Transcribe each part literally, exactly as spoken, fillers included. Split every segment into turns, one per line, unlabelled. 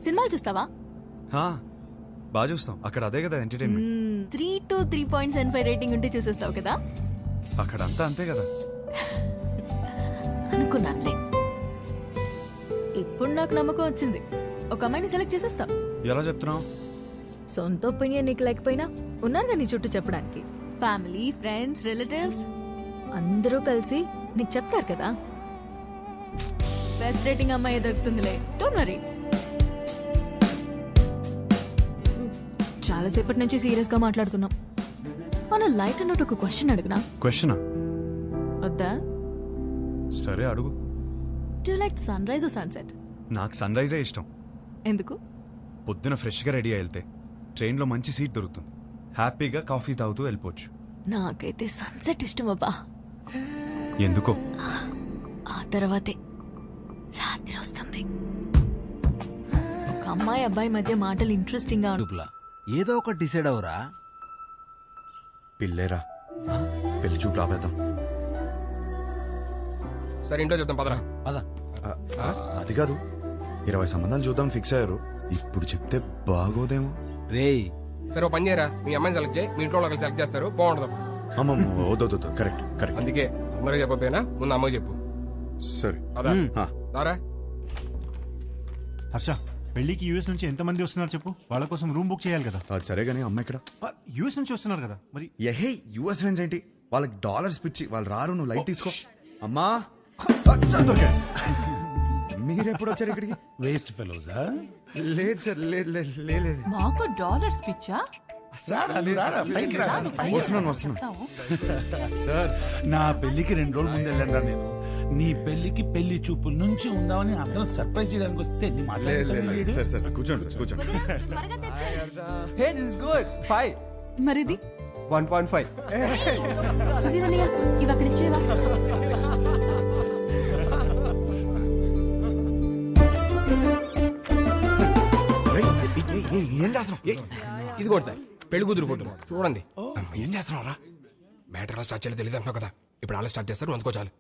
సినిమాలు చూస్తావా?
బాగా చూస్తాం. అక్కడ అదే కదా entertainment.
Three to three point seven five rating ఉంటే చూసేస్తావు కదా.
అక్కడ అంతా అంతే కదా.
అనుకున్నానులే. ఇప్పుడు నాకు నమ్మకం వచ్చింది. ఒక అమ్మాయిని సెలెక్ట్ చేసేస్తా.
ఎలా చెప్తున్నావు?
సొంత ఒపీనియన్ నీకు లేకపోయినా ఉన్నారుగా నీ చుట్టూ చెప్పడానికి. ఫ్యామిలీ, ఫ్రెండ్స్, రిలేటివ్స్ అందరూ కలిసి నీకు చెప్తారు కదా. బెస్ట్ రేటింగ్ అమ్మాయి దొరుకుతుందిలే. Don't worry. చాలాసేపటి నుంచి సీరియస్ గా మాట్లాడుతున్నాం. మన లైట్ అన్నట్టు ఒక క్వశ్చన్ అడుగునా?
క్వశ్చనా?
వద్దా?
సరే అడుగు.
Do you like sunrise or sunset?
నాకు సన్ రైజే ఇష్టం.
ఎందుకు?
పొద్దున ఫ్రెష్గా రెడీ అయి వెళ్తే ట్రైన్లో మంచి సీట్ దొరుకుతుంది. హ్యాపీగా కాఫీ తాగుతూ వెళ్ళిపోవచ్చు.
నాకైతే సన్సెట్ ఇష్టం అబ్బా.
ఎందుకో?
ఆ తర్వాతే రాత్రి వస్తుంది. ఒక అమ్మాయి అబ్బాయి మధ్య మాటలు ఇంట్రెస్టింగ్ గా
డుప్లా ఏదో ఒకటి డిసైడ్ అవరా.
పిల్లేరా, పెళ్లి చూపు రాబేద్దాం.
సరే ఇంట్లో చెప్తాం పదరా.
పద.
అది కాదు, ఇరవై సంబంధాలు చూద్దాం ఫిక్స్ అయ్యారు. ఇప్పుడు చెప్తే బాగోదేమో.
రేయ్
సరే ఓ పని చేయరా, మీ అమ్మాయిని సెలెక్ట్ చేయి, మీ ఇంట్లో వాళ్ళకి సెలెక్ట్ చేస్తారు, బాగుంటుంది.
అమ్మమ్మ వద్దొద్దు. Correct correct.
అందుకే అందరూ చెప్పకపోయినా ముందు అమ్మకి చెప్పు.
సరే
అదా దారా.
హర్ష, పెళ్లికి యూఎస్ నుంచి ఎంత మంది వస్తున్నారు చెప్పు. వాళ్ళ కోసం రూమ్ బుక్ చేయాలి కదా.
అది సరే గానీ అమ్మ ఇక్కడ
యూఎస్ నుంచి వస్తున్నారు కదా మరి.
ఎహే యుఎస్ ఫ్రెండ్స్ ఏంటి, వాళ్ళకి డాలర్స్ పిచ్చి. వాళ్ళు రారు, నువ్వు లైట్ తీసుకో. అమ్మా మీరెప్పుడు వచ్చారు ఇక్కడికి?
Waste fellows.
లేదు సార్, లేదు లేదు.
మాకు డాలర్స్ పిచ్చా?
వస్తున్నాను వస్తున్నాను సార్.
నా పెళ్లికి రెండు రోజులు ముందు వెళ్ళండి నేను. నీ పెళ్లికి పెళ్లి చూపుల నుంచి ఉందామని అందరం సర్ప్రైజ్ చేయడానికి వస్తే నీ మాట్లాడలేదు.
సార్ సార్ కూర్చోండి సార్ కూర్చోండి.
Hey, this is good. Five.
మరిది
one point five.
సుధీర్ అన్నయ్య ఇవి అక్కడ ఇచ్చేవా?
ఏం చేస్తున్నావు?
ఇది కూడా సార్ పెళ్లి కూతురు ఫోటో చూడండి.
ఏం చేస్తున్నావురా?
మ్యాటర్ ఎలా స్టార్ట్ చేయాలో తెలియదు అంటున్నావు కదా, ఇప్పుడు అలా స్టార్ట్ చేస్తారు, అందుకో చాలు.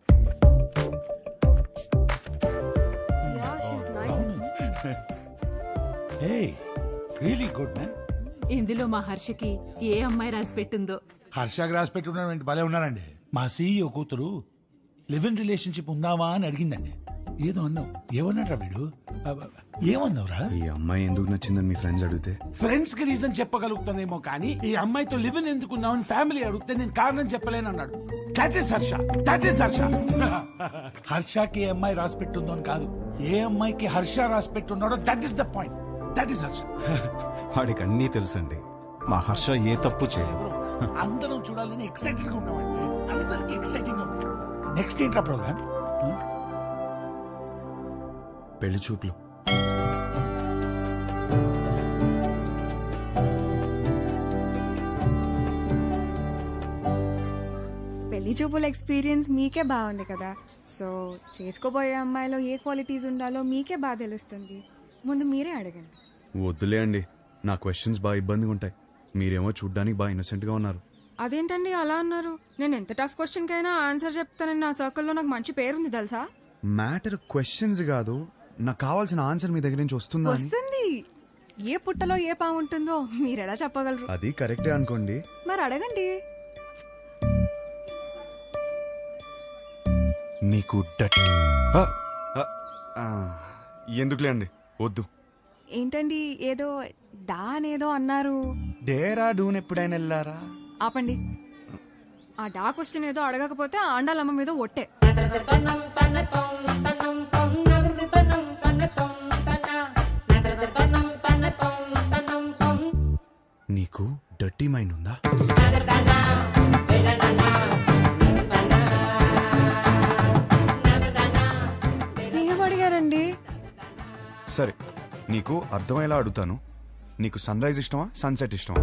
Hey, really good man.
ఇందులో మా హర్షకి ఏ అమ్మాయి రాసి పెట్టిందో.
హర్షకి రాసి పెట్టుకున్నాడు, భలే ఉన్నారండి. మా సీఈఓ కూతురు లివ్ ఇన్ రిలేషన్షిప్ ఉందావా అని అడిగిందండి. ఏదో అన్నావు. ఏమన్నాడ్రా వీడు? ఏమన్నావురా?
ఈ అమ్మాయి ఎందుకు నచ్చిందని మీ ఫ్రెండ్స్ అడిగితే
ఫ్రెండ్స్ కి రీజన్ చెప్పగలుగుతానేమో కానీ ఈ అమ్మాయితో లివ్ ఇన్ ఎందుకున్నావని ఫ్యామిలీ అడిగితే నేను కారణం చెప్పలేను అన్నాడు. That is Harsha. That is Harsha. హర్షకి ఏ అమ్మాయి రాసి పెట్టుందో అని కాదు, ఏ అమ్మాయికి హర్ష రాసి పెట్టున్నాడో that is the point. That is Harsha.
వాడికి అన్నీ తెలుసండి. మా హర్ష ఏ తప్పు చేయదు.
అందరం చూడాలని ఎక్సైటెడ్ గా ఉన్నామండి. అందరికి ఎక్సైటింగ్ గా ఉంది. నెక్స్ట్ ఏంట్రా ప్రోగ్రామ్?
పెళ్లి చూపులు.
పెళ్లి చూపుల ఎక్స్పీరియన్స్ మీకే బాగుంది కదా, సో చేసుకోబోయే అమ్మాయిలో ఏ క్వాలిటీస్ ఉండాలో మీకే బాగా తెలుస్తుంది. ముందు మీరే అడగండి.
వద్దులే అండి, నా క్వశ్చన్స్ బాగా ఇబ్బందిగా ఉంటాయి. మీరేమో చూడ్డానికి బాగా ఇన్నోసెంట్ గా ఉన్నారు.
అదేంటండి అలా అన్నారు? నేను ఎంత టఫ్ క్వశ్చన్ కైనా ఆన్సర్ చెప్తానని నా సర్కిల్లో నాకు మంచి పేరుంది తెలుసా.
మ్యాటర్ క్వశ్చన్స్ కాదు, నాకు కావాల్సిన ఆన్సర్ మీ దగ్గర నుంచి వస్తుందా?
వస్తుంది. ఏ పుట్టలో ఏ పాము ఉంటుందో మీరెలా చెప్పగలరు?
అది కరెక్టే అనుకోండి.
మరి అడగండి.
మీకు డట్ ఎందుకులే అండి, వద్దు.
ఏంటండి ఏదో డా అనేదో అన్నారు?
డేరా డూన్ ఎప్పుడైనా వెళ్ళారా?
ఆపండి. ఆ డా క్వశ్చన్ ఏదో అడగకపోతే ఆండాలమ్మ మీద ఒట్టే.
నీకు డర్టీ మైండ్ ఉందా?
ఏం అడిగారండి?
సరే, నీకు అర్థమయ్యేలా అడుగుతాను. నీకు సన్ రైజ్ ఇష్టమా, సన్సెట్ ఇష్టమా?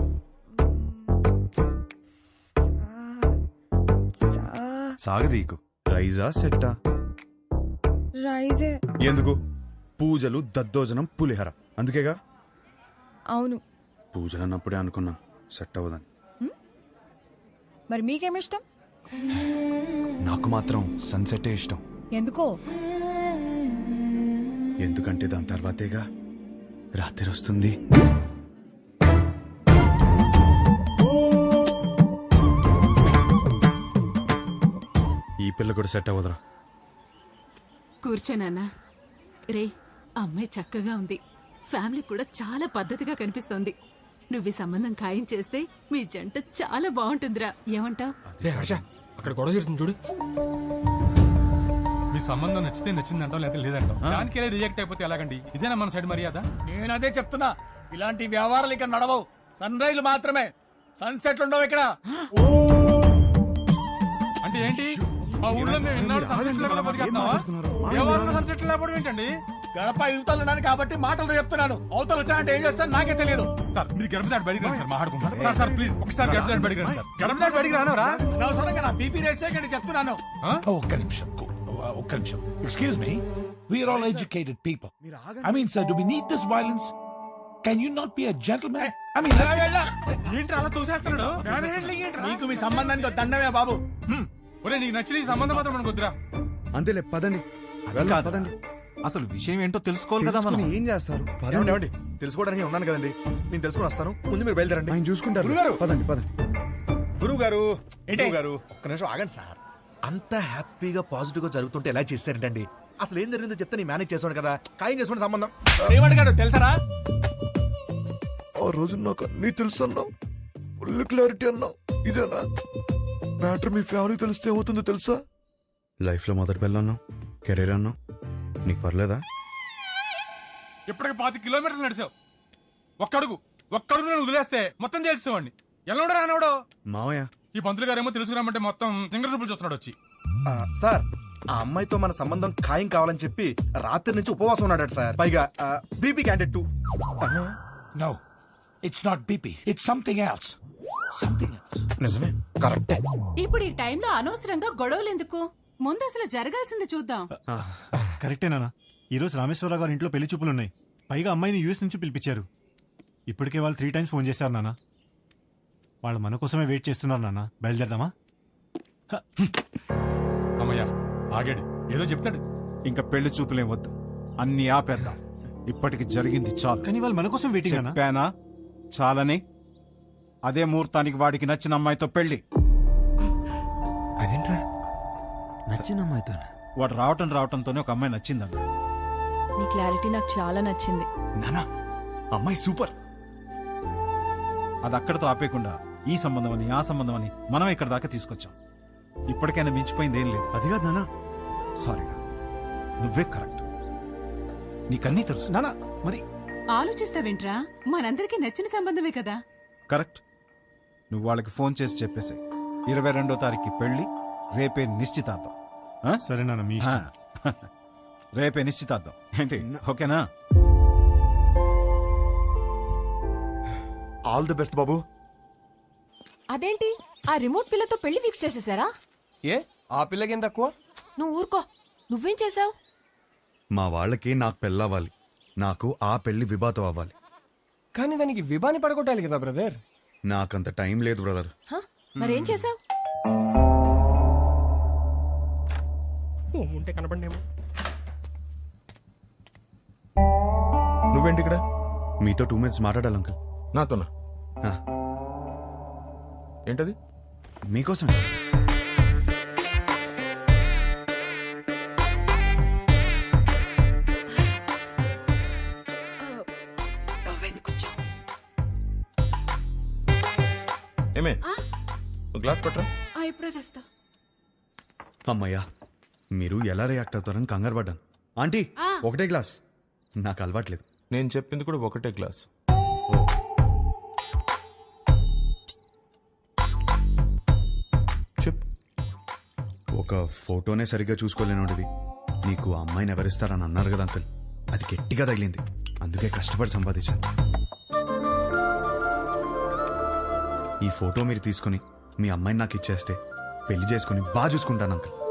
సాగదీకు. రైజా సెట్టా?
రైజే.
ఎందుకు? పూజలు, దద్దోజనం, పులిహర, అందుకేగా.
అవును.
పూజలు అన్నప్పుడే అనుకున్నా సెట్ అవ్వదని.
మరి మీకేమిష్టం?
నాకు మాత్రం సన్సెటే ఇష్టం.
ఎందుకో?
ఎందుకంటే దాని తర్వాతేగా రాత్రి వస్తుంది. ఈ పిల్ల కూడా సెట్ అవ్వదురా.
కూర్చోనన్నా. రే, అమ్మాయి చక్కగా ఉంది, ఫ్యామిలీ కూడా చాలా పద్ధతిగా కనిపిస్తోంది. నువ్వు ఈ సంబంధం ఖాయం చేస్తే మీ జంట చాలా బాగుంటుందిరా. ఏమంటావ్?
రే హర్ష, అక్కడ గొడవ జరుగుతుంది చూడు.
మీ సంబంధం నచ్చితే నచ్చిందంటాం, లేదా లేదంటాం. దానికే రిజెక్ట్ అయిపోతే ఎలాగండి? ఇదేనా మన సైడ్ మర్యాద?
నేను అదే చెప్తున్నా, ఇలాంటి వ్యవహారాలు ఇక్కడ నడవవు. సన్ రైజ్ మాత్రమే, సన్సెట్లు ఉండవు ఇక్కడ.
అంటే ఏంటి? మా ఊళ్ళో మేము ఇన్నాళ్ళు సన్సెట్ లేకుండా బతికేస్తున్నావా? ఎవరు సన్సెట్ లేకపోవడం ఏంటండి?
గడప యువతలున్నాను కాబట్టి మాటలు చెప్తున్నాను. అవతలు వచ్చానంటే ఏం చేస్తాను నాకే తెలియదు.
సార్ మీరు గడప దాటి బడికి రండి సార్, మాట్లాడుకుంటాం. సార్ సార్ ప్లీజ్ ఒకసారి గడప దాటి బడికి రండి సార్. గడప దాటి బడికి రానవరా?
అనవసరంగా నా బీపీ రేస్ చేయకండి చెప్తున్నాను.
ఒక్క నిమిషం ఒక్క నిమిషం excuse me, we are all educated people. I mean sir, do we need this violence? Can you not be a gentlemen? I mean
ఏంటి అలా తోసేస్తున్నాడు?
నీకు మీ సంబంధానికి ఒక దండమే బాబు.
ఒరే నీకు నచ్చిన ఈ సంబంధం మాత్రం మనకు వద్దురా.
అంతేలే, పదండి వెళ్దాం, పదండి.
అసలు విషయం ఏంటో తెలుసుకోవాలి కదా మనం.
తెలుసుకుని ఏం చేస్తారు?
ఏమండి, ఏమండి? తెలుసుకోవడానికి ఉన్నాను కదండి, నేను తెలుసుకుని వస్తాను. ముందు మీరు బయలుదేరండి.
ఆయన చూసుకుంటారు.
గురుగారు!
పదండి పదండి.
గురువు గారు గురువు గారు ఒక్క నిమిషం ఆగండి సార్. అంత హ్యాపీగా పాజిటివ్ గా జరుగుతుంటే ఎలా చేశారంటండి? అసలు ఏం జరిగిందో చెప్తే నేను మేనేజ్ చేసాను కదా. ఖాయం చేసుకోండి సంబంధం.
ఏమడిగాడు తెలుసరా?
ఆ రోజు నాకు అన్నీ తెలుసు అన్నావు, ఫుల్ క్లారిటీ అన్నావు. ఇదేనా మ్యాటర్? మీ ఫ్యామిలీ తెలిస్తే ఏమవుతుందో తెలుసా?
లైఫ్ లో మొదటి పిల్ల అన్నావు, కెరీర్ అన్నావు, నీకు పర్లేదా?
ఇప్పటికి పాతి కిలోమీటర్లు నడిచావు. ఒక్కడుగు ఒక్కడుగు నేను వదిలేస్తే మొత్తం తెలుసుకోండి. ఎలా రానవడో
మావయ్య,
ఈ పంతులు గారేమో తెలుసుకురామంటే మొత్తం సింగర్ చూపులు చూస్తున్నాడు వచ్చి.
ఆ, సార్ ఆ అమ్మాయితో మన సంబంధం ఖాయం కావాలని చెప్పి రాత్రి నుంచి ఉపవాసం ఉన్నాడు సార్. పైగా BP candidate too.
No, it's not BP, it's something else. Something else.
నిజమే, కరెక్టే.
ఇప్పుడు ఈ టైంలో అనవసరంగా గొడవలు ఎందుకు? ముందు అసలు జరగాల్సింది చూద్దాం.
కరెక్టేనా? ఈ రోజు రామేశ్వరరావు గారి ఇంట్లో పెళ్లి చూపులు ఉన్నాయి. పైగా అమ్మాయిని యూఎస్ నుంచి పిలిపించారు. ఇప్పటికే వాళ్ళు త్రీ టైమ్స్ ఫోన్ చేశారు నాన్న. వాళ్ళు మన కోసమే వెయిట్ చేస్తున్నారు నాన్న. బయలుదేరదామా?
అమ్మయ్యా ఆగాడు, ఏదో చెప్తాడు.
ఇంకా పెళ్లి చూపులేం వద్దు, అన్ని ఆపేద్దాం. ఇప్పటికి జరిగింది చాలు. కానీ వాళ్ళు మన కోసం వెయిటింగ్ అన్న.
చెప్పానా చాలని? అదే ముహూర్తానికి వాడికి నచ్చిన అమ్మాయితో పెళ్లి.
అదేంట్రా?
నచ్చిన అమ్మాయితో
వాడు రావటం రావటంతోనే ఒక అమ్మాయి నచ్చిందన్న.
నీ క్లారిటీ నాకు చాలా నచ్చింది.
నానా, అమ్మాయి సూపర్.
అది అక్కడతో ఆపేయకుండా ఈ సంబంధం అని ఆ సంబంధం అని మనం ఇక్కడ దాకా తీసుకొచ్చాం. ఇప్పటికైనా మించిపోయింది ఏం లేదు.
అది కాదు నానా.
సారీరా, నువ్వే కరెక్ట్. నీకన్నీ తెలుసు నానా. మరి
ఆలోచిస్తావేంట్రా? మనందరికీ నచ్చిన సంబంధమే కదా.
కరెక్ట్. నువ్వు వాళ్ళకి ఫోన్ చేసి చెప్పేసి ఇరవై రెండో తారీఖు పెళ్లి, రేపే నిశ్చితార్థం. సరే నాన్న, మీ ఇష్టం. రేపే నిశ్చితార్థం ఏంటి? ఓకేనా?
ఆల్ ది బెస్ట్ బాబు.
అదేంటి, ఆ రిమోట్ పిల్లతో పెళ్లి ఫిక్స్ చేసేసారా?
ఏ ఆ పిల్లకి ఏం తక్కువ?
నువ్వు ఊరుకో. నువ్వేం చేసావు?
మా వాళ్ళకి నాకు పెళ్ళవ్వాలి, నాకు ఆ పెళ్లి విభాతం అవ్వాలి.
కానీ దానికి విభాని పడగొట్టాలి కదా బ్రదర్.
నాకంత టైం లేదు బ్రదర్.
మరేం చేసావు?
ఉంటే కనపడేమో.
నువ్వేంటి ఇక్కడ?
మీతో టూ మినిట్స్ మాట్లాడాలి అంకుల్.
నాతోనా?
ఆ,
ఏంటది?
మీకోసం.
ఏమే, గ్లాస్ పట్టరా.
ఇప్పుడే తెస్తా.
అమ్మయ్యా, మీరు ఎలా రియాక్ట్ అవుతారని కంగారు పడ్డాను. ఆంటీ, ఒకటే గ్లాస్. నాకు అలవాట్లేదు.
నేను చెప్పింది కూడా ఒకటే గ్లాస్. చెప్పు.
ఒక ఫోటోనే సరిగ్గా చూసుకోలేనోడివి నీకు ఆ అమ్మాయిని ఎవరిస్తారని అన్నారు కదా అంకుల్. అది గట్టిగా తగిలింది, అందుకే కష్టపడి సంపాదించాను. ఈ ఫోటో మీరు తీసుకుని మీ అమ్మాయిని నాకు ఇచ్చేస్తే పెళ్లి చేసుకుని బాగా చూసుకుంటాను అంకుల్.